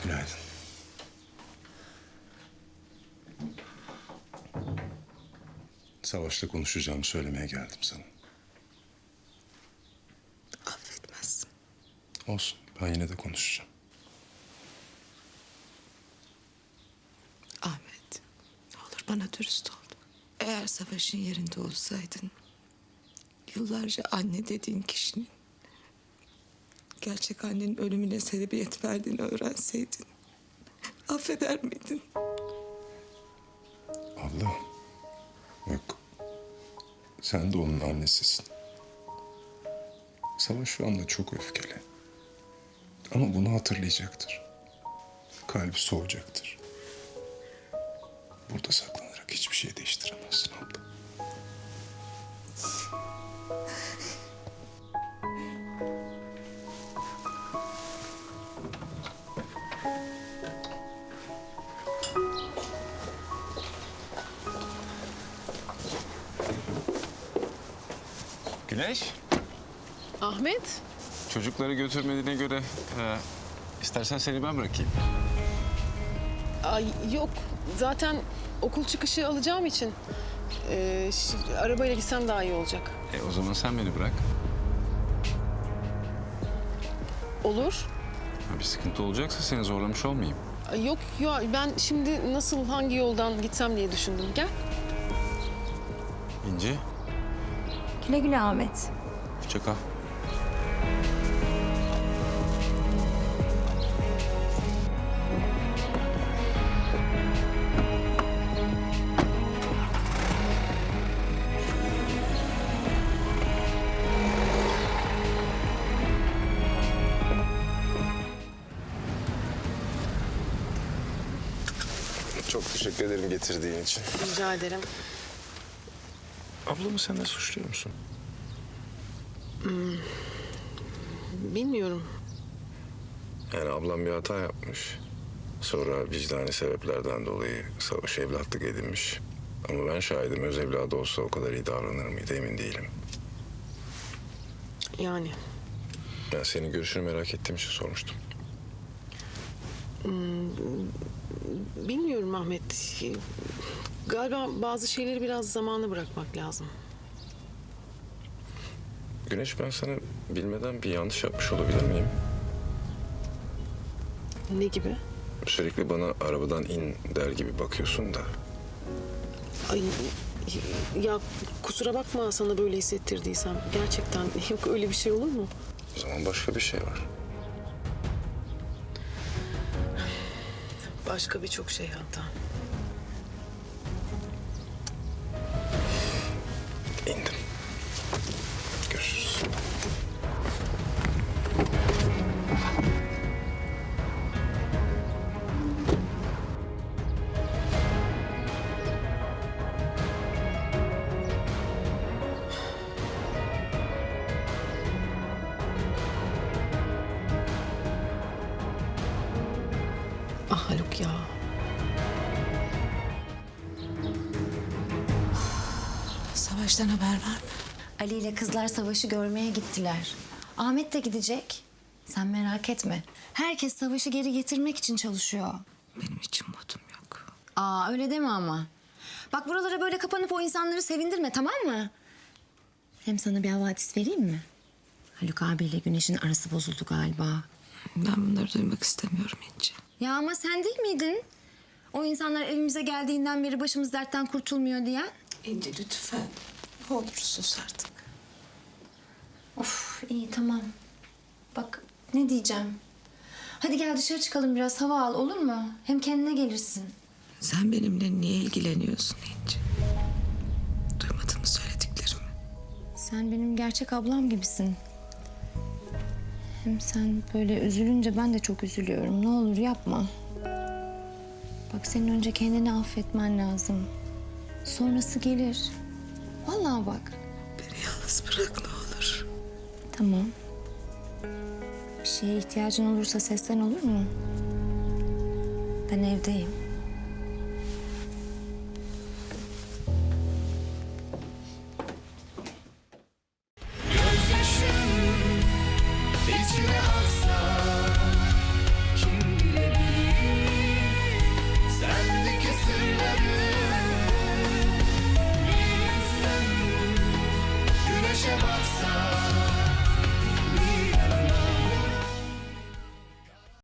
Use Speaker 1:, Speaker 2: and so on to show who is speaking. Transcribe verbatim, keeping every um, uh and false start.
Speaker 1: Günaydın. Savaş'la konuşacağımı söylemeye geldim sana.
Speaker 2: Affetmezsin.
Speaker 1: Olsun, ben yine de konuşacağım.
Speaker 2: Ahmet, ne olur bana dürüst ol. Eğer Savaş'ın yerinde olsaydın... yıllarca anne dediğin kişinin... gerçek annenin ölümüne sebebiyet verdiğini öğrenseydin... affeder miydin?
Speaker 1: Abla, yok. Sen de onun annesisin. Savaş şu anda çok öfkeli. Ama bunu hatırlayacaktır. Kalbi soğuyacaktır. Burada saklanarak hiçbir şey değiştiremezsin abla.
Speaker 3: Güneş,
Speaker 4: Ahmet,
Speaker 3: çocukları götürmediğine göre e, istersen seni ben bırakayım.
Speaker 4: ay yok zaten okul çıkışı alacağım için e, ş- arabayla gitsem daha iyi olacak.
Speaker 3: E, o zaman sen beni bırak.
Speaker 4: Olur.
Speaker 3: Ha, bir sıkıntı olacaksa seni zorlamış olmayayım.
Speaker 4: Ay, yok ya ben şimdi nasıl hangi yoldan gitsem diye düşündüm. Gel.
Speaker 3: İnci,
Speaker 5: Güle güle Ahmet.
Speaker 3: hoşça kal.
Speaker 1: Çok teşekkür ederim getirdiğin için.
Speaker 4: Rica ederim.
Speaker 1: Ablamı sen de suçluyor musun?
Speaker 4: Bilmiyorum.
Speaker 1: Yani ablam bir hata yapmış. Sonra vicdani sebeplerden dolayı Savaş evlatlık edinmiş. Ama ben şahidim, öz evladı olsa o kadar iyi davranır mıydı emin değilim.
Speaker 4: Yani
Speaker 1: Ben senin görüşünü merak ettiğim için sormuştum.
Speaker 4: bilmiyorum Ahmet. Galiba bazı şeyleri biraz zamana bırakmak lazım.
Speaker 1: Güneş, ben sana bilmeden bir yanlış yapmış olabilir miyim?
Speaker 4: Ne gibi?
Speaker 1: Sürekli bana arabadan in der gibi bakıyorsun da.
Speaker 4: Ay ya kusura bakma sana böyle hissettirdiysem. Gerçekten yok öyle bir şey olur mu?
Speaker 1: O zaman başka bir şey var.
Speaker 4: Başka birçok şey hatta.
Speaker 1: İndim. Görüşürüz.
Speaker 4: Ah Haluk ya.
Speaker 2: Savaş'tan haber var mı?
Speaker 5: Ali ile kızlar Savaş'ı görmeye gittiler. Ahmet de gidecek. Sen merak etme. Herkes Savaş'ı geri getirmek için çalışıyor.
Speaker 2: Benim için modum yok.
Speaker 5: Aa öyle deme ama. Bak buralara böyle kapanıp o insanları sevindirme, tamam mı? Hem sana bir havadis vereyim mi? Haluk abiyle Güneş'in arası bozuldu galiba.
Speaker 2: Ben bunları duymak istemiyorum İnci.
Speaker 5: Ya ama sen değil miydin? O insanlar evimize geldiğinden beri başımız dertten kurtulmuyor diyen.
Speaker 2: İnci lütfen. Ne olur sus artık.
Speaker 5: Of iyi tamam. Bak ne diyeceğim. Hadi gel dışarı çıkalım biraz hava al, olur mu? Hem kendine gelirsin.
Speaker 2: Sen benimle niye ilgileniyorsun İnci? Duymadın mı söylediklerimi?
Speaker 5: Sen benim gerçek ablam gibisin. Hem sen böyle üzülünce ben de çok üzülüyorum. Ne olur yapma. Bak senin önce kendini affetmen lazım. Sonrası gelir. Vallahi bak.
Speaker 2: Beni yalnız bırak ne olur.
Speaker 5: Tamam. Bir şeye ihtiyacın olursa seslen, olur mu? Ben evdeyim.